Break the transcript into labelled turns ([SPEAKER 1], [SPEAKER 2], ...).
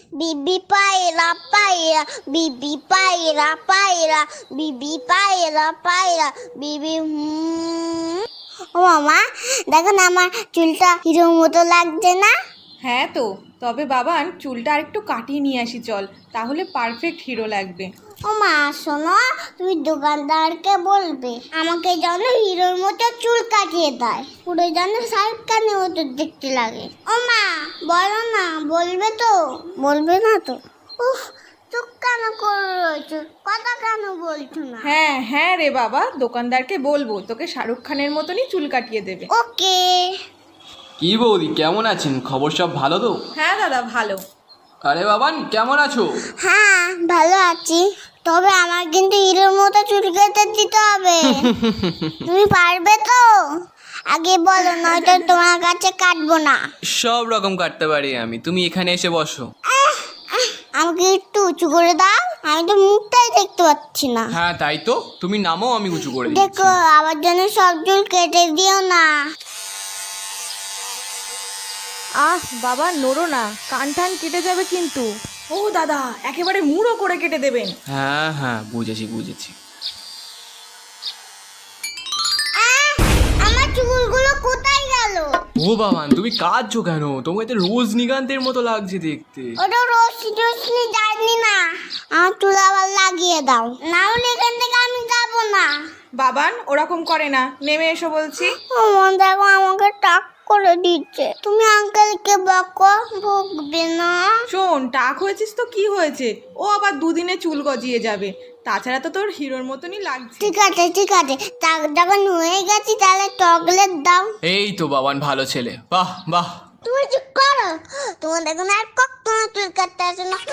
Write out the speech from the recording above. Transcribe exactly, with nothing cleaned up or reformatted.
[SPEAKER 1] বিবি পায়রা পায়রা বিবি পায়রা পায়রা বিবি পায়রা পায়রা বিবি হুম। ও মামা দেখো না আমার চুলটা হিরোর মতো লাগছে না?
[SPEAKER 2] হ্যাঁ তো, তবে বাবান চুলটা আরেকটু কাটিয়ে নিয়ে আসি চল, তাহলে পারফেক্ট হিরো লাগবে।
[SPEAKER 1] ও মা শোনো, তুমি দোকানদারকে বলবে আমাকে যেন হিরোর মতো চুল কাটিয়ে দেয়, পুরো যেন শাহরুখ খানের মতো দেখতে লাগে। ও মা বলো না, বলবে তো? বলবে না তো? উফ, চুপ কেন করে রয়েছো, কথা কেন বলছো না?
[SPEAKER 2] হ্যাঁ হ্যাঁ রে বাবা, দোকানদারকে বলবো তোকে শাহরুখ খানের মতনই চুল কাটিয়ে দেবে।
[SPEAKER 1] ওকে।
[SPEAKER 3] কি বৌদি, কেমন আছেন? খবর সব ভালো তো?
[SPEAKER 2] হ্যাঁ দাদা ভালো।
[SPEAKER 3] আরে বাবান, কেমন আছো?
[SPEAKER 1] হ্যাঁ ভালো আছি, তবে আমার কিন্তু হিরোর মতো চুল কেটে দিতে হবে। তুমি পারবে তো? আগে বলো, নয়তো তোমার কাছে কাটবো না।
[SPEAKER 3] সব রকম কাটতে পারি আমি, তুমি এখানে এসে বসো।
[SPEAKER 1] আমাকে একটু উঁচু করে দাও, আমি তো মুখটাই দেখতে পাচ্ছি না।
[SPEAKER 3] হ্যাঁ তাই তো, তুমি নামো, আমি উঁচু করে দিচ্ছি।
[SPEAKER 1] দেখো আবার যেন সব চুল কেটে দিও না।
[SPEAKER 2] আহ বাবা নড়ো না, কান টান কেটে যাবে কিন্তু। ও দাদা, একেবারে মুড়ো করে কেটে দেবেন।
[SPEAKER 3] হ্যাঁ হ্যাঁ বুঝেছি বুঝেছি।
[SPEAKER 1] আহ, আমার চুলগুলো কোথায় গেল?
[SPEAKER 3] ও বাবান, তুমি কাঁদছো কেন? তোমাকে তো রজনীকান্তের মতো লাগছে দেখতে।
[SPEAKER 1] ওটা রশ্মি টশ্মি জানি না, আমার চুল আবার লাগিয়ে দাও, না হলে এখান থেকে আমি যাবো না।
[SPEAKER 2] বাবান ওরকম করে না, নেমে এসো বলছি।
[SPEAKER 1] আমার দেখো আমাকে টাক করে দিচ্ছে, তুমি আঙ্কেলকে বকো, বকবে না।
[SPEAKER 2] শোন, টাক হয়েছিস তো কি হয়েছে, ও আবার দুদিনে চুল গজিয়ে যাবে, তাছাড়া তো তোর হিরোর মতনই লাগছে।
[SPEAKER 1] ঠিক আছে ঠিক আছে, টাক যখন হয়ে গেছি তাহলে চকলেট দাও।
[SPEAKER 3] এই তো বাবান, ভালো ছেলে, বাহ বাহ।
[SPEAKER 1] তুমি চুপ করো, তোমার দেখো না আর কখনো চুল কাটতে আসে না।